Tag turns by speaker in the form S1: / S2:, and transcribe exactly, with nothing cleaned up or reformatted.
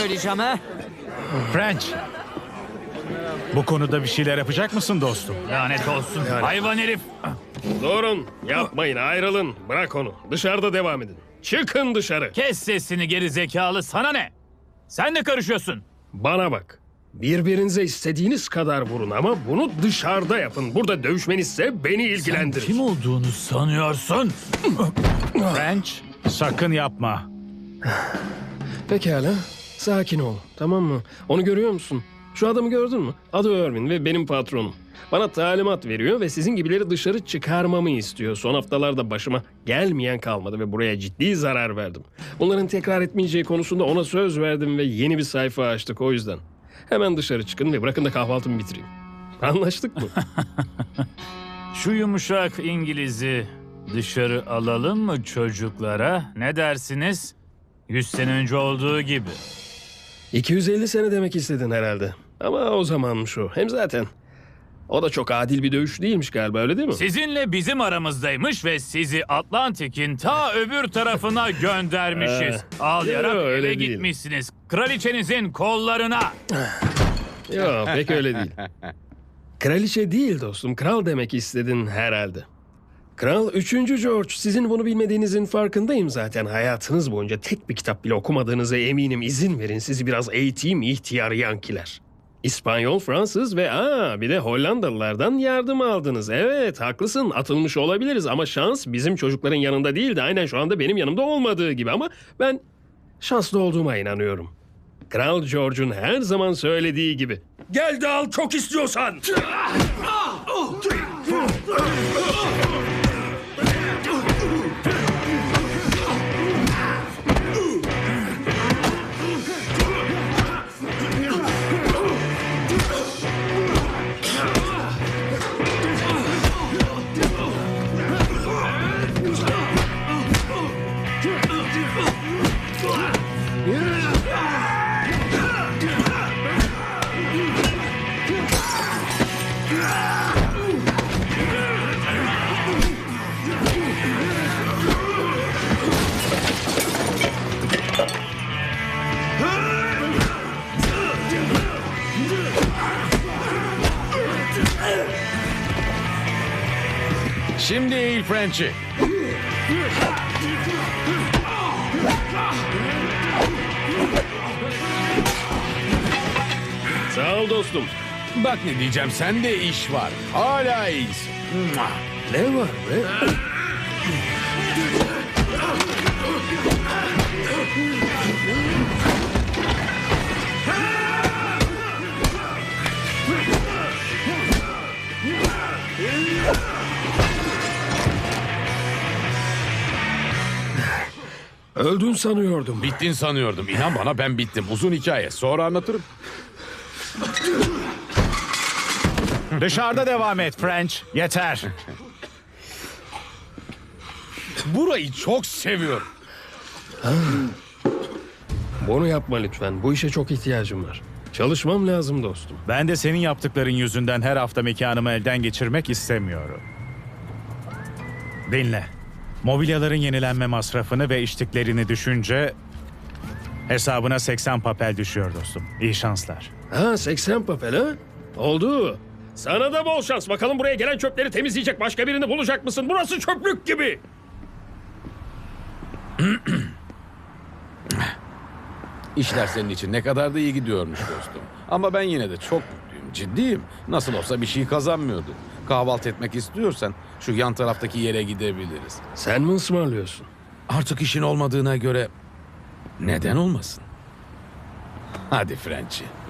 S1: söyleyeceğim ha?
S2: French. Bu konuda bir şeyler yapacak mısın dostum?
S3: Lanet olsun. Hayvan herif.
S4: Durun, yapmayın, ayrılın. Bırak onu. Dışarıda devam edin. Çıkın dışarı.
S3: Kes sesini geri zekalı. Sana ne? Sen de karışıyorsun.
S4: Bana bak. Birbirinize istediğiniz kadar vurun ama bunu dışarıda yapın. Burada dövüşmenizse beni ilgilendirir.
S3: Kim olduğunu sanıyorsun?
S2: French, sakın yapma.
S4: Pekala. Sakin ol. Tamam mı? Onu görüyor musun? Şu adamı gördün mü? Adı Irvin ve benim patronum. Bana talimat veriyor ve sizin gibileri dışarı çıkarmamı istiyor. Son haftalarda başıma gelmeyen kalmadı ve buraya ciddi zarar verdim. Bunların tekrar etmeyeceği konusunda ona söz verdim ve yeni bir sayfa açtık o yüzden. Hemen dışarı çıkın ve bırakın da kahvaltımı bitireyim. Anlaştık mı?
S3: Şu yumuşak İngiliz'i dışarı alalım mı çocuklara? Ne dersiniz? Yüz sene önce olduğu gibi.
S4: iki yüz elli sene demek istedin herhalde. Ama o zamanmış o. Hem zaten o da çok adil bir dövüş değilmiş galiba, öyle değil mi?
S3: Sizinle bizim aramızdaymış ve sizi Atlantik'in ta öbür tarafına göndermişiz. Ağlayarak
S4: yo, öyle
S3: eve
S4: değil.
S3: gitmişsiniz. Kraliçenizin kollarına.
S4: Yok, pek öyle değil. Kraliçe değil dostum, kral demek istedin herhalde. Kral üçüncü George. Sizin bunu bilmediğinizin farkındayım zaten. Hayatınız boyunca tek bir kitap bile okumadığınıza eminim. İzin verin sizi biraz eğiteyim ihtiyar yankiler. İspanyol, Fransız ve aa bir de Hollandalılardan yardım aldınız. Evet, haklısın, atılmış olabiliriz ama şans bizim çocukların yanında değil de aynen şu anda benim yanımda olmadığı gibi, ama ben şanslı olduğuma inanıyorum. Kral George'un her zaman söylediği gibi. Gel de al çok istiyorsan.
S5: Şimdi eğil French'i.
S4: Sağ ol dostum.
S5: Bak ne diyeceğim, sende iş var. Hala iyisin. Mua.
S4: Ne var be? Öldün sanıyordum.
S5: Bittin sanıyordum. İnan bana, ben bittim. Uzun hikaye. Sonra anlatırım.
S2: Dışarıda devam et French. Yeter.
S5: Burayı çok seviyorum.
S4: Bunu yapma lütfen. Bu işe çok ihtiyacım var. Çalışmam lazım dostum.
S2: Ben de senin yaptıkların yüzünden her hafta mekanımı elden geçirmek istemiyorum. Dinle. Mobilyaların yenilenme masrafını ve içtiklerini düşünce hesabına seksen papel düşüyor dostum. İyi şanslar.
S4: Ha, seksen papel ha? Oldu. Sana da bol şans. Bakalım buraya gelen çöpleri temizleyecek başka birini bulacak mısın? Burası çöplük gibi.
S5: İşler senin için ne kadar da iyi gidiyormuş dostum. Ama ben yine de çok mutluyum. Ciddiyim. Nasıl olsa bir şey kazanmıyordum. Kahvaltı etmek istiyorsan şu yan taraftaki yere gidebiliriz.
S4: Sen mi ısmarlıyorsun?
S5: Artık işin olmadığına göre neden olmasın? Hadi French'i.